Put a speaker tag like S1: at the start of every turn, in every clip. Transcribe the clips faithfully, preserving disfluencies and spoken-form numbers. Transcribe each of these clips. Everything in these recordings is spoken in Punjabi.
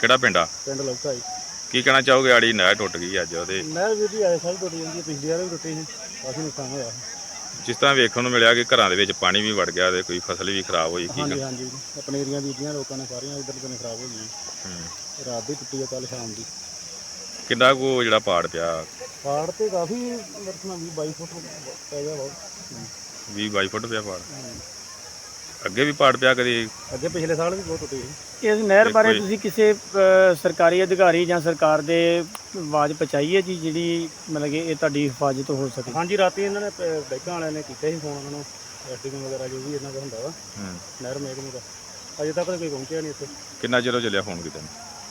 S1: ਕਿਹੜਾ ਪਿੰਡ ਆ?
S2: ਪਿੰਡ ਲੌਕਾ ਜੀ।
S1: ਕੀ ਕਹਿਣਾ ਚਾਹੋਗੇ? ਆੜੀ ਨਹਿਰ ਟੁੱਟ ਗਈ ਅੱਜ ਉਹਦੇ
S2: ਨਹਿਰ ਵੀਰ ਜੀ ਆਏ ਸਾਲ ਟੁੱਟ ਜਾਂਦੀ ਹੈ, ਪਿਛਲੀ ਵਾਰ ਵੀ ਟੁੱਟੀ ਸੀ, ਕਾਫੀ ਨੁਕਸਾਨ ਹੋਇਆ।
S1: ਜਿਸ ਤਰ੍ਹਾਂ ਵੇਖਣ ਨੂੰ ਮਿਲਿਆ ਕਿ ਘਰਾਂ ਦੇ ਵਿੱਚ ਪਾਣੀ ਵੀ ਵੜ ਗਿਆ ਤੇ ਕੋਈ ਫਸਲ ਵੀ ਖਰਾਬ ਹੋਈ। ਕੀ
S2: ਹਾਂਜੀ ਹਾਂਜੀ ਪਨੀਰੀਆਂ ਬੀਜੀਆਂ ਲੋਕਾਂ ਨੇ ਸਾਰੀਆਂ ਇੱਧਰ ਤੋਂ ਖਰਾਬ ਹੋ ਗਈਆਂ।
S1: ਹੂੰ।
S2: ਰਾਤ ਦੀ ਟੁੱਟੀ ਆ, ਕੱਲ ਸ਼ਾਮ ਦੀ।
S1: ਕਿੰਨਾ ਕੁ ਜਿਹੜਾ ਪਾੜ ਪਿਆ?
S2: ਪਾੜ ਤੇ ਕਾਫੀ ਮਰਤਨਾ ਵੀਹ ਬਾਈ ਫੁੱਟ ਪੈ ਗਿਆ ਬਹੁਤ।
S1: ਵੀਹ ਬਾਈ ਫੁੱਟ ਪਿਆ ਪਾੜ। ਅੱਗੇ ਵੀ ਪਾੜ ਪਿਆ ਕਦੀ?
S2: ਅੱਗੇ ਪਿਛਲੇ ਸਾਲ ਵੀ ਬਹੁਤ ਟੁੱਟੀ ਸੀ।
S3: ਇਸ ਨਹਿਰ ਬਾਰੇ ਤੁਸੀਂ ਕਿਸੇ ਸਰਕਾਰੀ ਅਧਿਕਾਰੀ ਜਾਂ ਸਰਕਾਰ ਦੇ ਆਵਾਜ਼ ਪਹੁੰਚਾਈ ਹੈ ਜੀ, ਜਿਹੜੀ ਮਤਲਬ ਕਿ ਇਹ ਤੁਹਾਡੀ ਹਿਫਾਜ਼ਤ ਹੋ ਸਕੇ?
S2: ਹਾਂਜੀ ਰਾਤੀ ਇਹਨਾਂ ਨੇ ਬੈਂਕਾਂ ਵਾਲਿਆਂ ਨੇ ਕੀਤੇ ਸੀ ਫੋਨ ਉਹਨਾਂ ਨੂੰ, ਐਸਡੀਐਮ ਵਗੈਰਾ ਜੋ ਵੀ ਇਹਨਾਂ ਦਾ ਹੁੰਦਾ ਵਾ ਨਹਿਰ ਮਹਿਕਮੇ ਦਾ। ਅਜੇ ਤੱਕ ਤਾਂ ਕੋਈ ਪਹੁੰਚਿਆ ਨਹੀਂ ਇੱਥੇ।
S1: ਕਿੰਨਾ ਚਿਰ ਚੱਲਿਆ ਫੋਨ ਕੀਤਾ?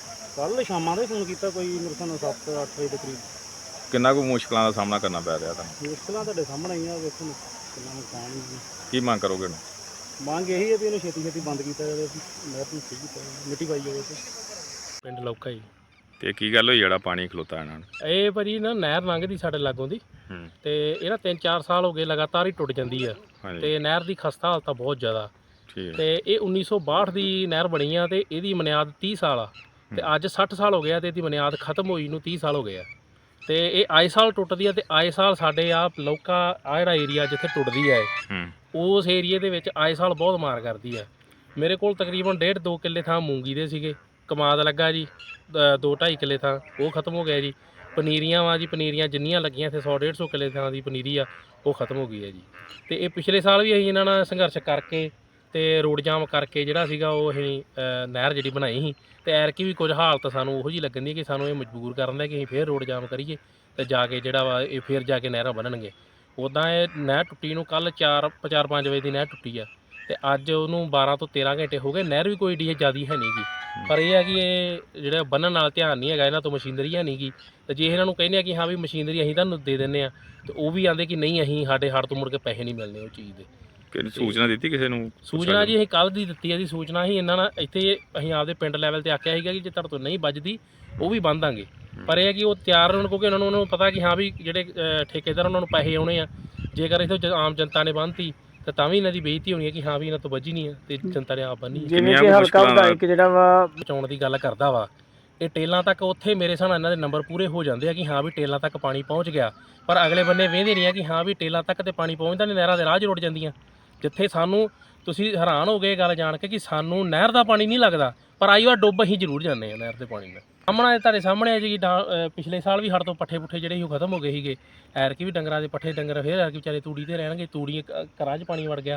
S2: ਕੱਲ ਸ਼ਾਮਾਂ ਦਾ ਹੀ ਫੋਨ ਕੀਤਾ, ਕੋਈ ਮੇਰੇ ਸਾਨੂੰ ਸੱਤ ਅੱਠ ਵਜੇ ਦੇ ਕਰੀਬ।
S1: ਕਿੰਨਾ ਕੁ ਮੁਸ਼ਕਲਾਂ ਦਾ ਸਾਹਮਣਾ ਕਰਨਾ ਪੈ ਰਿਹਾ ਤੁਹਾਨੂੰ?
S2: ਮੁਸ਼ਕਲਾਂ ਤੁਹਾਡੇ ਸਾਹਮਣੇ ਆਈਆਂ, ਵੇਖੋ ਕਿੰਨਾ ਨੁਕਸਾਨ ਹੀ।
S1: ਕੀ ਮੰਗ ਕਰੋਗੇ?
S2: ਮੰਗ ਇਹੀ ਹੈ ਵੀ ਇਹਨੂੰ ਛੇਤੀ ਛੇਤੀ ਬੰਦ ਕੀਤਾ ਜਾਵੇ, ਨਹਿਰ ਨੂੰ ਠੀਕ ਕੀਤਾ ਜਾਵੇ, ਮਿੱਟੀ ਪਾਈ ਜਾਵੇ।
S3: ਪਿੰਡ ਲੌਕਾ ਜੀ।
S1: ਤੇ ਕੀ ਗੱਲ ਹੋਈ ਜਿਹੜਾ ਪਾਣੀ ਖਲੋਤਾ ਇਹਨਾਂ ਨੂੰ?
S3: ਇਹ ਭਾਜੀ ਨਾ ਨਹਿਰ ਲੰਘਦੀ ਸਾਡੇ ਲਾਗੋਂ ਦੀ, ਤੇ ਇਹ ਨਾ ਤਿੰਨ ਚਾਰ ਸਾਲ ਹੋ ਗਏ ਲਗਾਤਾਰ ਹੀ ਟੁੱਟ ਜਾਂਦੀ ਆ। ਤੇ ਨਹਿਰ ਦੀ ਖਸਤਾ ਹਾਲਤ ਆ ਬਹੁਤ ਜ਼ਿਆਦਾ। ਤੇ ਇਹ ਉੱਨੀ ਸੌ ਬਾਹਠ ਦੀ ਨਹਿਰ ਬਣੀ ਆ ਤੇ ਇਹਦੀ ਬੁਨਿਆਦ ਤੀਹ ਸਾਲ ਆ, ਤੇ ਅੱਜ ਸੱਠ ਸਾਲ ਹੋ ਗਿਆ ਤੇ ਇਹਦੀ ਬੁਨਿਆਦ ਖਤਮ ਹੋਈ ਨੂੰ ਤੀਹ ਸਾਲ ਹੋ ਗਏ ਆ। ਤੇ ਇਹ ਆਏ ਸਾਲ ਟੁੱਟਦੀ ਆ, ਤੇ ਆਏ ਸਾਲ ਸਾਡੇ ਆ ਲੌਕਾ ਆ ਜਿਹੜਾ ਏਰੀਆ ਜਿੱਥੇ ਟੁੱਟਦੀ ਆ ਇਹ, ਉਸ ਏਰੀਏ ਦੇ ਵਿੱਚ ਆਏ ਸਾਲ ਬਹੁਤ ਮਾਰ ਕਰਦੀ ਆ। ਮੇਰੇ ਕੋਲ ਤਕਰੀਬਨ ਡੇਢ ਦੋ ਕਿੱਲੇ ਥਾਂ ਮੂੰਗੀ ਦੇ ਸੀਗੇ, ਕਮਾਦ ਲੱਗਾ ਜੀ ਦੋ ਢਾਈ ਕਿੱਲੇ ਥਾਂ, ਉਹ ਖਤਮ ਹੋ ਗਿਆ ਜੀ। ਪਨੀਰੀਆਂ ਵਾ ਜੀ, ਪਨੀਰੀਆਂ ਜਿੰਨੀਆਂ ਲੱਗੀਆਂ ਇੱਥੇ ਸੌ ਡੇਢ ਸੌ ਕਿੱਲੇ ਥਾਂ ਦੀ ਪਨੀਰੀ ਆ, ਉਹ ਖਤਮ ਹੋ ਗਈ ਹੈ ਜੀ। ਤੇ ਇਹ ਪਿਛਲੇ ਸਾਲ ਵੀ ਅਸੀਂ ਇਹਨਾਂ ਨਾਲ ਸੰਘਰਸ਼ ਕਰਕੇ ਤੇ ਰੋਡ ਜਾਮ ਕਰਕੇ ਜਿਹੜਾ ਸੀਗਾ ਉਹ ਅਸੀਂ ਨਹਿਰ ਜਿਹੜੀ ਬਣਾਈ ਸੀ। ਤੇ ਐਰਕੀ ਵੀ ਕੁਝ ਹਾਲਤ ਸਾਨੂੰ ਉਹੋ ਜਿਹੀ ਲੱਗਣ ਦੀ ਕਿ ਸਾਨੂੰ ਇਹ ਮਜਬੂਰ ਕਰਨ ਦਾ ਕਿ ਅਸੀਂ ਫੇਰ ਰੋਡ ਜਾਮ ਕਰੀਏ ਤੇ ਜਾ ਕੇ ਜਿਹੜਾ ਵਾ ਇਹ ਫੇਰ ਜਾ ਕੇ ਨਹਿਰਾਂ ਬਣਨਗੇ। ਉੱਦਾਂ ਇਹ ਨਹਿਰ ਟੁੱਟੀ ਨੂੰ ਕੱਲ੍ਹ ਚਾਰ ਚਾਰ ਪੰਜ ਵਜੇ ਦੀ ਨਹਿਰ ਟੁੱਟੀ ਆ, ਤੇ ਅੱਜ ਉਹਨੂੰ ਬਾਰਾਂ ਤੋਂ ਤੇਰਾਂ ਘੰਟੇ ਹੋ ਗਏ। ਨਹਿਰ ਵੀ ਕੋਈ ਡੀ ਜ਼ਿਆਦਾ ਹੈ ਨਹੀਂ ਗੀ, ਪਰ ਇਹ ਹੈ ਕਿ ਇਹ ਜਿਹੜਾ ਬੰਨਣ ਨਾਲ ਧਿਆਨ ਨਹੀਂ ਹੈਗਾ, ਇਹਨਾਂ ਤੋਂ ਮਸ਼ੀਨਰੀ ਹੈ ਨਹੀਂ ਗੀ। ਤੇ ਜੇ ਇਹਨਾਂ ਨੂੰ ਕਹਿੰਦੇ ਆ ਕਿ ਹਾਂ ਵੀ ਮਸ਼ੀਨਰੀ ਅਸੀਂ ਤੁਹਾਨੂੰ ਦੇ ਦਿੰਦੇ ਆ, ਤੇ ਉਹ ਵੀ ਆਂਦੇ ਕਿ ਨਹੀਂ, ਅਸੀਂ ਸਾਡੇ ਹੱਥ ਤੋਂ ਮੁੜ ਕੇ ਪੈਸੇ ਨਹੀਂ ਮਿਲਣੇ ਉਹ ਚੀਜ਼ ਦੇ।
S1: ਕਿਹੜੀ ਸੂਚਨਾ ਦਿੱਤੀ ਕਿਸੇ ਨੂੰ?
S3: ਸੂਚਨਾ ਜੀ ਅਸੀਂ ਕੱਲ੍ਹ ਦੀ ਦਿੱਤੀ ਹੈ ਜੀ ਸੂਚਨਾ। ਅਸੀਂ ਇਹਨਾਂ ਨਾਲ ਇੱਥੇ ਅਸੀਂ ਆਪਦੇ ਪਿੰਡ ਲੈਵਲ 'ਤੇ ਆਖਿਆ ਸੀਗਾ ਕਿ ਜੇ ਤੁਹਾਡੇ ਤੋਂ ਨਹੀਂ ਵੱਜਦੀ ਉਹ ਵੀ ਬੰਦ ਦਾਂਗੇ, ਪਰ ਇਹ ਹੈ ਕਿ ਉਹ ਤਿਆਰ ਹੋਣ, ਕਿਉਂਕਿ ਉਹਨਾਂ ਨੂੰ ਉਹਨਾਂ ਨੂੰ ਪਤਾ ਕਿ ਹਾਂ ਵੀ ਜਿਹੜੇ ਠੇਕੇਦਾਰ ਉਹਨਾਂ ਨੂੰ ਪੈਸੇ ਆਉਣੇ ਆ। ਜੇਕਰ ਇੱਥੇ ਆਮ ਜਨਤਾ ਨੇ ਬੰਨ੍ਹਤੀ ਤਾਂ ਤਾਂ ਵੀ ਇਹਨਾਂ ਦੀ ਬੇਇੱਜ਼ਤੀ ਹੋਣੀ ਹੈ ਕਿ ਹਾਂ ਵੀ ਇਹਨਾਂ ਤੋਂ ਵੱਜੀ ਨਹੀਂ ਹੈ ਤੇ ਜਨਤਾ ਨੇ ਆਪ ਬੰਨੀ। ਜਿਵੇਂ ਕਿ ਹਲਕਾ ਵਿਧਾਇਕ ਜਿਹੜਾ ਵਾ ਬਚਾਉਣ ਦੀ ਗੱਲ ਕਰਦਾ ਵਾ, ਇਹ ਟੇਲਾਂ ਤੱਕ ਉੱਥੇ ਮੇਰੇ ਹਿਸਾਬ ਨਾਲ ਇਹਨਾਂ ਦੇ ਨੰਬਰ ਪੂਰੇ ਹੋ ਜਾਂਦੇ ਆ ਕਿ ਹਾਂ ਵੀ ਟੇਲਾਂ ਤੱਕ ਪਾਣੀ ਪਹੁੰਚ ਗਿਆ, ਪਰ ਅਗਲੇ ਬੰਨੇ ਵੇਂਦੇ ਨਹੀਂ ਆ ਕਿ ਹਾਂ ਵੀ ਟੇਲਾਂ ਤੱਕ ਤੇ ਪਾਣੀ ਪਹੁੰਚਦਾ ਨਹੀਂ, ਨਹਿਰਾਂ ਦੇ ਰਾਹ 'ਚ ਰੁੜ ਜਾਂਦੀਆਂ। ਜਿੱਥੇ ਸਾਨੂੰ ਤੁਸੀਂ ਹੈਰਾਨ ਹੋ ਗਏ ਗੱਲ ਜਾਣ ਕੇ ਕਿ ਸਾਨੂੰ ਨਹਿਰ ਦਾ ਪਾਣੀ ਨਹੀਂ ਲੱਗਦਾ, ਪਰ ਆਈ ਵਾਰ ਡੁੱਬ ਅਸੀਂ ਜ਼ਰੂਰ ਜਾਂਦੇ ਹਾਂ ਨਹਿਰ ਦੇ ਪਾਣੀ ਨਾਲ। ਸਾਹਮਣੇ ਤੁਹਾਡੇ ਸਾਹਮਣੇ ਜੀ ਪਿਛਲੇ ਸਾਲ ਵੀ ਹੜ ਤੋਂ ਪੱਠੇ ਪੁੱਠੇ ਜਿਹੜੇ ਸੀ ਉਹ ਖਤਮ ਹੋ ਗਏ ਸੀਗੇ। ਐਰਕੀ ਵੀ ਡੰਗਰਾਂ ਦੇ ਪੱਠੇ ਡੰਗਰ ਫੇਰ ਐਰਕੀ ਵਿਚਾਰੇ ਤੂੜੀ 'ਤੇ ਰਹਿਣਗੇ, ਤੂੜੀ ਘਰਾਂ 'ਚ ਪਾਣੀ ਵੜ ਗਿਆ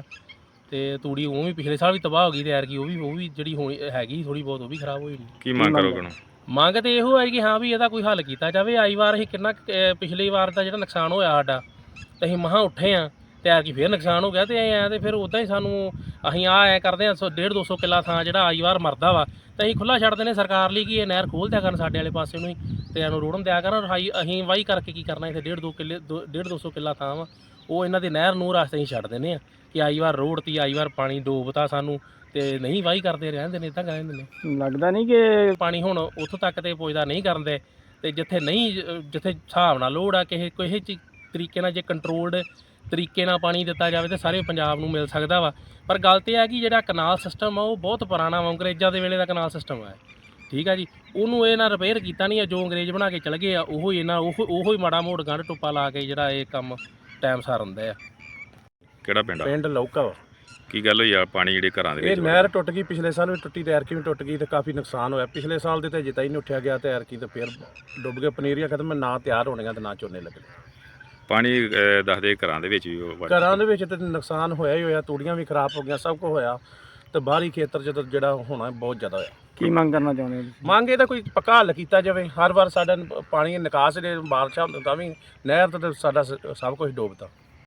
S3: ਤੇ ਤੂੜੀ ਉਹ ਵੀ ਪਿਛਲੇ ਸਾਲ ਵੀ ਤਬਾਹ ਹੋ ਗਈ, ਤੇ ਐਰਕੀ ਉਹ ਵੀ ਉਹ ਵੀ ਜਿਹੜੀ ਹੋਣੀ ਹੈਗੀ ਥੋੜ੍ਹੀ ਬਹੁਤ ਉਹ ਵੀ ਖਰਾਬ ਹੋਈ।
S1: ਕੀ ਮੰਗ ਕਰੋਗੇ?
S3: ਮੰਗ ਤੇ ਇਹੋ ਹੈ ਕਿ ਹਾਂ ਵੀ ਇਹਦਾ ਕੋਈ ਹੱਲ ਕੀਤਾ ਜਾਵੇ। ਆਈ ਵਾਰ ਅਸੀਂ ਕਿੰਨਾ ਪਿਛਲੀ ਵਾਰ ਦਾ ਜਿਹੜਾ ਨੁਕਸਾਨ ਹੋਇਆ ਸਾਡਾ, ਤੇ ਅਸੀਂ ਮਹਾਂ ਉੱਠੇ ਹਾਂ ਤੇ ਐਰਕੀ ਫੇਰ ਨੁਕਸਾਨ ਹੋ ਗਿਆ, ਤੇ ਐਂ ਤੇ ਫਿਰ ਉੱਦਾਂ ਹੀ ਸਾਨੂੰ ਅਸੀਂ ਆ ਐਂ ਕਰਦੇ ਹਾਂ ਡੇਢ ਦੋ ਸੌ ਕਿੱਲਾ ਥਾਂ ਜਿਹੜਾ ਆਈ ਵਾਰ ਮਰਦਾ ਵਾ, ਤੇ ਅਸੀਂ ਖੁੱਲ੍ਹਾ ਛੱਡਦੇ ਨੇ ਸਰਕਾਰ ਲਈ ਕਿ ਇਹ ਨਹਿਰ ਖੋਲ੍ਹ ਦਿਆ ਕਰਨ ਸਾਡੇ ਵਾਲੇ ਪਾਸੇ ਨੂੰ ਹੀ, ਤੇ ਇਹਨੂੰ ਰੋੜਨ ਦਿਆ ਕਰਨ। ਅਸੀਂ ਵਾਹੀ ਕਰਕੇ ਕੀ ਕਰਨਾ, ਇੱਥੇ ਡੇਢ ਦੋ ਕਿੱਲੇ ਡੇਢ ਦੋ ਸੌ ਕਿੱਲਾ ਥਾਂ ਵਾ, ਉਹ ਇਹਨਾਂ ਦੇ ਨਹਿਰ ਨੂੰ ਰਸਤੇ ਹੀ ਛੱਡ ਦਿੰਦੇ ਆ ਕਿ ਆਈ ਵਾਰ ਰੋੜਤੀ, ਆਈ ਵਾਰ ਪਾਣੀ ਡੋਬਤਾ ਸਾਨੂੰ, ਤੇ ਨਹੀਂ ਵਾਹੀ ਕਰਦੇ ਰਹਿੰਦੇ ਨੇ, ਇੱਦਾਂ ਕਹਿੰਦੇ ਨੇ। ਲੱਗਦਾ ਨਹੀਂ ਕਿ ਪਾਣੀ ਹੁਣ ਉੱਥੋਂ ਤੱਕ ਤੇ ਪੁੱਜਦਾ ਨਹੀਂ ਕਰਦੇ, ਤੇ ਜਿੱਥੇ ਨਹੀਂ ਜਿੱਥੇ ਹਿਸਾਬ ਨਾਲ ਲੋੜ ਆ ਕਿਸੇ ਕਿਸੇ ਤਰੀਕੇ ਨਾਲ ਜੇ ਕੰਟਰੋਲਡ ਤਰੀਕੇ ਨਾਲ ਪਾਣੀ ਦਿੱਤਾ ਜਾਵੇ ਤਾਂ ਸਾਰੇ ਪੰਜਾਬ ਨੂੰ ਮਿਲ ਸਕਦਾ ਵਾ। ਪਰ ਗੱਲ ਤੇ ਹੈ ਕਿ ਜਿਹੜਾ ਕਨਾਲ ਸਿਸਟਮ ਆ ਉਹ ਬਹੁਤ ਪੁਰਾਣਾ ਵਾ, ਅੰਗਰੇਜ਼ਾਂ ਦੇ ਵੇਲੇ ਦਾ ਕਨਾਲ ਸਿਸਟਮ ਆ, ਠੀਕ ਆ ਜੀ। ਉਹਨੂੰ ਇਹ ਨਾ ਰਿਪੇਅਰ ਕੀਤਾ ਨਹੀਂ ਆ, ਜੋ ਅੰਗਰੇਜ਼ ਬਣਾ ਕੇ ਚਲੇ ਗਏ ਆ ਉਹੋ ਹੀ ਇਹਨਾਂ ਉਹ ਉਹੋ ਹੀ ਮਾੜਾ ਮੋੜ ਗੰਢ ਟੁੱਪਾ ਲਾ ਕੇ ਜਿਹੜਾ ਇਹ ਕੰਮ ਟਾਈਮ ਸਾਰ ਹੁੰਦਾ ਆ।
S1: ਕਿਹੜਾ ਪਿੰਡ ਆ?
S2: ਪਿੰਡ ਲੌਕਾ ਵਾ।
S1: ਕੀ ਗੱਲ ਹੋਈ ਆ ਪਾਣੀ ਜਿਹੜੇ ਘਰਾਂ ਦੇ ਵਿੱਚ?
S2: ਇਹ ਨਹਿਰ ਟੁੱਟ ਗਈ, ਪਿਛਲੇ ਸਾਲ ਵੀ ਟੁੱਟੀ ਤੇ ਐਰਕੀ ਵੀ ਟੁੱਟ ਗਈ, ਤੇ ਕਾਫੀ ਨੁਕਸਾਨ ਹੋਇਆ। ਪਿਛਲੇ ਸਾਲ ਦੇ ਤੇ ਜਿੱਤਾ ਹੀ ਨਹੀਂ ਉੱਠਿਆ ਗਿਆ, ਤੇ ਐਰਕੀ ਤੇ ਫੇਰ ਡੁੱਬ ਗਏ। ਪਨੀਰੀਆਂ ਖਤਮ, ਨਾ ਤਿਆਰ ਹੋਣੀਆਂ ਤੇ ਨਾ ਝੋਨੇ ਲੱਗਣੇ।
S1: ਪਾਣੀ ਦੱਸਦੇ ਘਰਾਂ ਦੇ ਵਿੱਚ ਵੀ
S2: ਘਰਾਂ ਦੇ ਵਿੱਚ ਤੇ ਨੁਕਸਾਨ ਹੋਇਆ ਹੀ ਹੋਇਆ, ਤੂੜੀਆਂ ਵੀ ਖਰਾਬ ਹੋ ਗਈਆਂ, ਸਭ ਕੁਝ ਹੋਇਆ, ਤੇ ਬਾਹਰੀ ਖੇਤਰ 'ਚ ਜਿਹੜਾ ਹੋਣਾ ਬਹੁਤ ਜ਼ਿਆਦਾ ਹੋਇਆ। ਕੀ ਮੰਗ ਕਰਨਾ ਚਾਹੁੰਦੇ ਹੋ? ਮੰਗ ਇਹਦਾ ਕੋਈ ਪੱਕਾ ਹੱਲ ਕੀਤਾ ਜਾਵੇ। ਹਰ ਵਾਰ ਸਾਡਾ ਪਾਣੀ ਨਿਕਾਸ ਦੇ ਬਾਰਿਸ਼ਾਂ ਤਾਂ ਵੀ ਨਹਿਰ ਤੇ ਸਾਡਾ ਸਭ ਕੁਝ ਡੁੱਬਦਾ।